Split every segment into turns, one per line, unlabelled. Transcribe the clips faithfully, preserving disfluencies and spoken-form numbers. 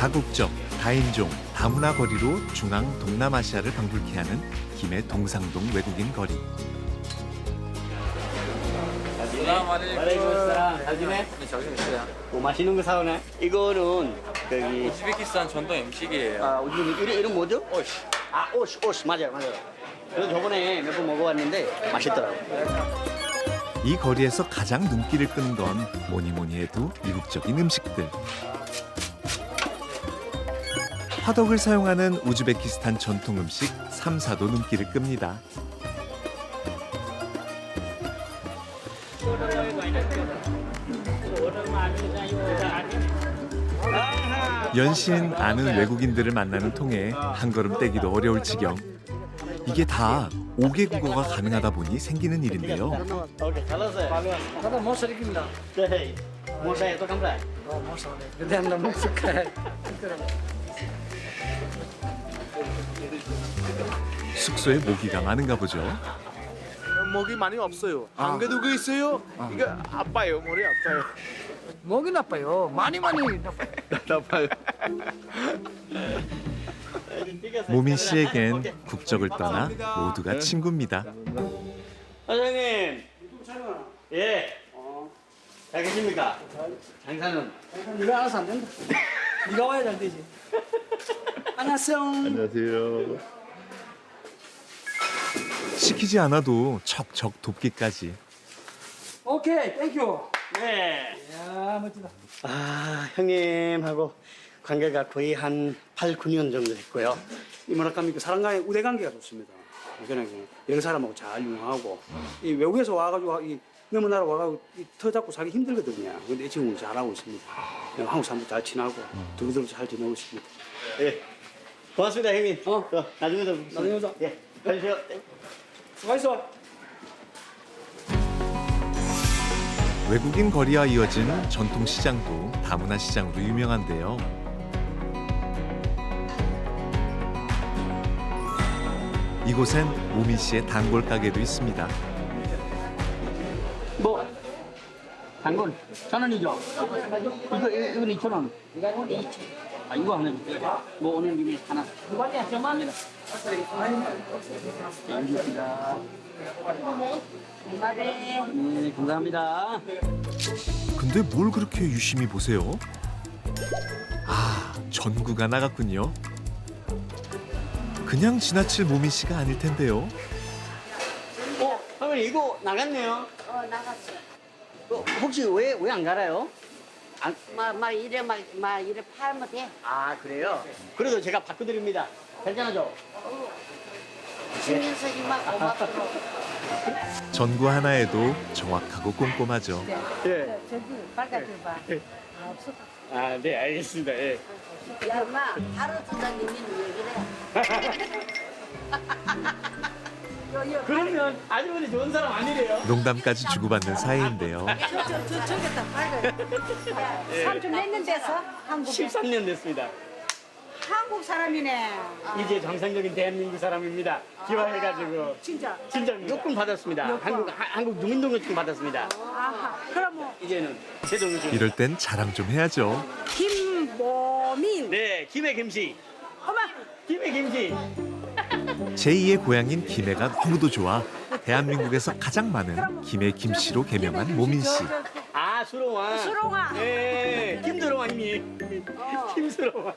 다국적, 다인종, 다문화 거리로 중앙 동남아시아를 방불케 하는 김해 동상동 외국인 거리.
잘 지내?
네, 잘 지냈어요.
뭐 맛있는 거 사오네? 이거는 저기
우즈베키스탄 전통 음식이에요.
아 요즘 이름, 이름 뭐죠?
오이시.
아 오시 오시 맞아요 맞아요. 그래서 저번에 몇 번 먹어봤는데 맛있더라고.
이 거리에서 가장 눈길을 끄는 건 뭐니 뭐니 해도 이국적인 음식들. 화덕을 사용하는 우즈베키스탄 전통 음식 삼사도 눈길을 끕니다. 연신 아는 외국인들을 만나는 통에 한 걸음 떼기도 어려울 지경. 이게 다 오 개 국어가 가능하다 보니 생기는 일인데요.
오케이 잘 왔어요.
هذا مو شريكنا
네. 뭐사요 또 감사.
ما شاء الله بدنا نمسك
숙소에 모기가 많은가 보죠.
목이 많이 없어요. 안 그래도 그 있어요. 이거 아파요. 머리 아파요.
목이 나빠요. 많이 많이 나빠요.
나빠요.
모민 씨에겐 국적을 떠나 모두가 친구입니다.
사장님. 예. 잘 계십니까? 장사는.
네가 알아서 안 된다. 네가 와야 잘 되지. 안녕하세요.
안녕하세요.
시키지 않아도 척척 돕기까지.
오케이, 땡큐.
네.
야, 멋지다.
아 형님하고 관계가 거의 한 팔, 구 년 정도 됐고요.
이 뭐랄까 그 사람과의 우대 관계가 좋습니다. 그냥 여러 사람하고 잘 융화하고 이 외국에서 와가지고 이 너무 나라 와가지고 이 터 잡고 살기 힘들거든요. 근데 이 친구는 잘하고 있습니다. 그냥 한국 사람도 잘 친하고 두루두루 잘 지내고 있습니다.
예. 고맙습니다 형님.
어.
저, 나중에 또
나중에 보자.
예. 가주세요.
수고했어.
외국인 거리와 이어진 전통 시장도 다문화 시장으로 유명한데요. 이곳엔 모민 씨의 단골 가게도 있습니다.
뭐 당근 천 원이죠? 이거 이건 이천 원. 이거 이천. 아 이거 하나. 뭐 오늘 김에 하나. 이거야 저만. 네 감사합니다.
근데 뭘 그렇게 유심히 보세요? 아, 전구가 나갔군요. 그냥 지나칠 모민 씨가 아닐 텐데요.
어 선생님 이거 나갔네요.
어 나갔어.
어, 혹시 왜 왜 안 갈아요? 안,
막, 막 이래 막, 막 이래 팔면 돼.
아 그래요? 그래도 제가 바꿔드립니다. 괜찮아죠?
주면서 이만 고맙고.
전구 하나에도 정확하고 꼼꼼하죠.
예.
저기 빨간색 봐. 아, 없어.
아 네 알겠습니다. 예.
야, 엄마, 하루 주장님이 왜 그래? 요, 요,
그러면 아주머니 좋은 사람 아니래요?
농담까지 주고받는 사이인데요.
저, 저, 저, 저기다 빨간. 삼촌 몇 년 돼서 한국에?
십삼 년 됐습니다.
한국 사람이네.
이제 정상적인 대한민국 사람입니다. 기화해가지고
진짜.
진짜 요금 받았습니다. 한국 하- 한국 농민등록증 받았습니다.
아하. 그럼 뭐,
이제는 제 등록증.
이럴 땐 자랑 좀 해야죠.
김보민.
네, 김해 김씨.
어머,
김해 김씨.
제이의 고향인 김해가 너무도 좋아 대한민국에서 가장 많은 김해 김씨로 개명한 모민 씨.
아 수롱아.
수롱아.
네, 김수롱아님이.
어.
김수롱아.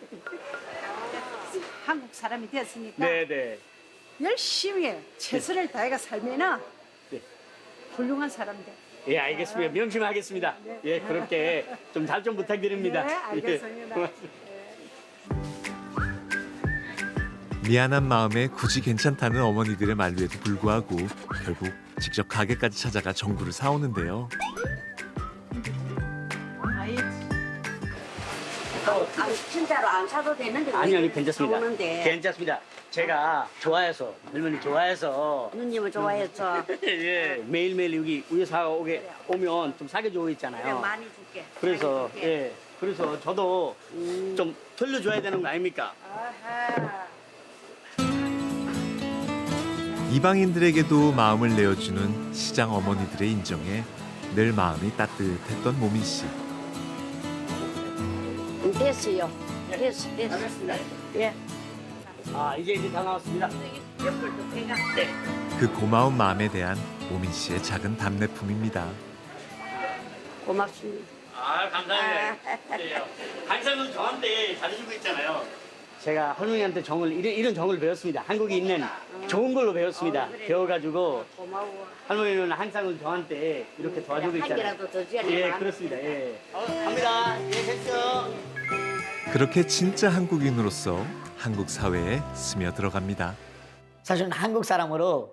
한국 사람이 됐으니까
네, 네.
열심히 최선을 다해가 살면은
네.
훌륭한 사람 돼.
예, 알겠습니다. 명심하겠습니다. 예, 그렇게 좀 잘 좀 부탁드립니다.
네, 알겠습니다.
예, 고맙습니다.
미안한 마음에 굳이 괜찮다는 어머니들의 만류에도 불구하고 결국 직접 가게까지 찾아가 전구를 사오는데요.
아, 진짜로 안 사도 되는데
아니 아니 괜찮습니다.
오는데
괜찮습니다. 제가 좋아해서 할머니 좋아해서
누님을 좋아해서
예, 매일매일 여기 위에서 오게 오면 좀 사게 주고
그래
있잖아요.
많이 줄게.
그래서
많이 줄게.
예, 그래서 저도
음.
좀 돌려줘야 되는 거 아닙니까?
아하.
이방인들에게도 마음을 내어주는 시장 어머니들의 인정에 늘 마음이 따뜻했던 모민 씨.
됐어요. 됐어, 됐어. 예.
아 이제 이제 다 나왔습니다.
그 고마운 마음에 대한 오민 씨의 작은 답례품입니다.
고맙습니다.
아 감사합니다. 항상 저한테 잘해주고 있잖아요. 제가 할머니한테 정을 이런, 이런 정을 배웠습니다. 한국에 있는 좋은 걸로 배웠습니다.
어, 그래.
배워가지고
고마워.
할머니는 항상 저한테 이렇게 도와주고
한
있잖아요.
개라도 더 줘야
예
되나?
그렇습니다. 예. 갑니다. 예 됐죠.
그렇게 진짜 한국인으로서 한국 사회에 스며들어갑니다.
사실은 한국 사람으로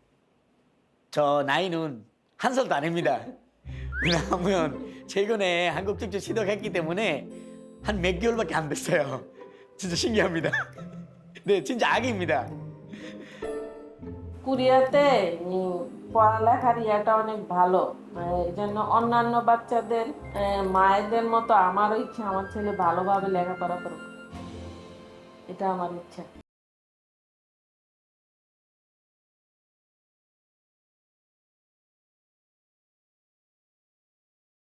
저 나이는 한 살도 안 됩니다. 왜냐하면 최근에 한국 직접 시도했기 때문에 한 몇 개월밖에 안 됐어요. 진짜 신기합니다. 네, 진짜 악입니다.
কোরিয়াতে উম, পড়ালেখার ইয়েটা অনেক ভালো এই জন্য অন্যান্য বাচ্চাদের আহ, মায়েদের মতো আমারও ইচ্ছা আমার ছেলে ভালোভাবে লেখাপড়া করুক এটা আমার ইচ্ছা